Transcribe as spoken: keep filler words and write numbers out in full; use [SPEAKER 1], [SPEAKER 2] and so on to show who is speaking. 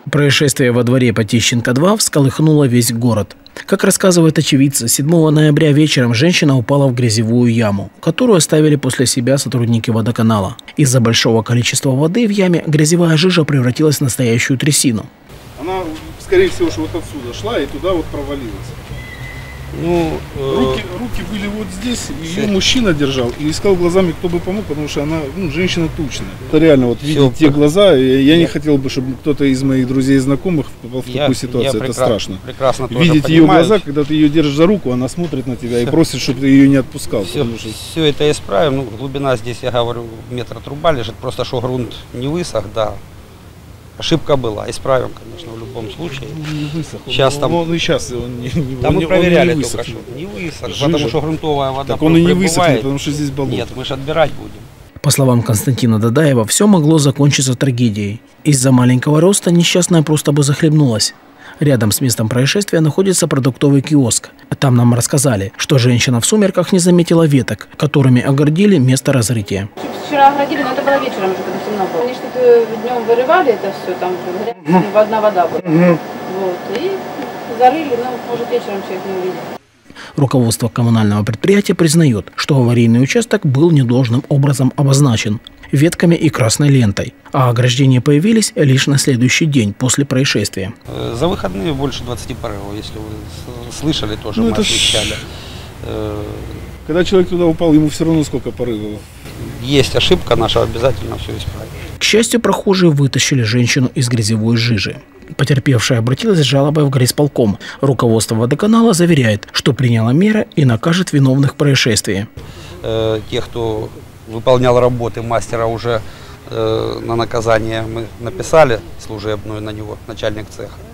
[SPEAKER 1] Происшествие во дворе Потищенко два всколыхнуло весь город. Как рассказывают очевидцы, седьмого ноября вечером женщина упала в грязевую яму, которую оставили после себя сотрудники водоканала. Из-за большого количества воды в яме грязевая жижа превратилась в настоящую трясину.
[SPEAKER 2] Она, скорее всего, что вот отсюда шла и туда вот провалилась.
[SPEAKER 3] Ну,
[SPEAKER 2] руки, руки были вот здесь, ее мужчина держал и искал глазами, кто бы помог, потому что она, ну, женщина тучная. Это реально, вот видеть те глаза, я не хотел бы, чтобы кто-то из моих друзей и знакомых попал в
[SPEAKER 3] я,
[SPEAKER 2] такую ситуацию, это страшно.
[SPEAKER 3] Прекрасно
[SPEAKER 2] видеть ее глаза, когда ты ее держишь за руку, она смотрит на тебя и просит, чтобы ты ее не отпускал.
[SPEAKER 3] Все,
[SPEAKER 2] что...
[SPEAKER 3] все это исправим, ну, глубина здесь, я говорю, метр труба лежит, просто что грунт не высох, да. Ошибка была, исправим, конечно, в любом случае.
[SPEAKER 2] Не высох.
[SPEAKER 3] Сейчас
[SPEAKER 2] он,
[SPEAKER 3] там,
[SPEAKER 2] он, он, сейчас он не,
[SPEAKER 3] там
[SPEAKER 2] он,
[SPEAKER 3] мы проверяли
[SPEAKER 2] он не
[SPEAKER 3] только
[SPEAKER 2] высох.
[SPEAKER 3] что. Не высох,
[SPEAKER 2] Жижа.
[SPEAKER 3] потому что грунтовая вода
[SPEAKER 2] так он и не
[SPEAKER 3] прибывает.
[SPEAKER 2] высохнет, потому что здесь болото.
[SPEAKER 3] Нет, мы же отбирать будем.
[SPEAKER 1] По словам Константина Дадаева, все могло закончиться трагедией. Из-за маленького роста несчастная просто бы захлебнулась. Рядом с местом происшествия находится продуктовый киоск. Там нам рассказали, что женщина в сумерках не заметила веток, которыми огородили место разрытия.
[SPEAKER 4] Вчера огородили, но это было вечером уже, когда темно было. Они что-то днем вырывали это все, там одна вода была. Вот, и зарыли, но может вечером человек не увидел.
[SPEAKER 1] Руководство коммунального предприятия признает, что аварийный участок был недолжным образом обозначен ветками и красной лентой, а ограждения появились лишь на следующий день после происшествия.
[SPEAKER 3] За выходные больше двадцати порывов, если вы слышали, тоже
[SPEAKER 2] ну,
[SPEAKER 3] мы освещали.
[SPEAKER 2] Когда человек туда упал, ему все равно сколько порывов.
[SPEAKER 3] Есть ошибка наша, обязательно все исправим.
[SPEAKER 1] К счастью, прохожие вытащили женщину из грязевой жижи. Потерпевшая обратилась с жалобой в горисполком. Руководство водоканала заверяет, что приняло меры и накажет виновных в происшествии.
[SPEAKER 3] Э, тех, кто выполнял работы мастера, уже э, на наказание мы написали служебную на него, начальник цеха.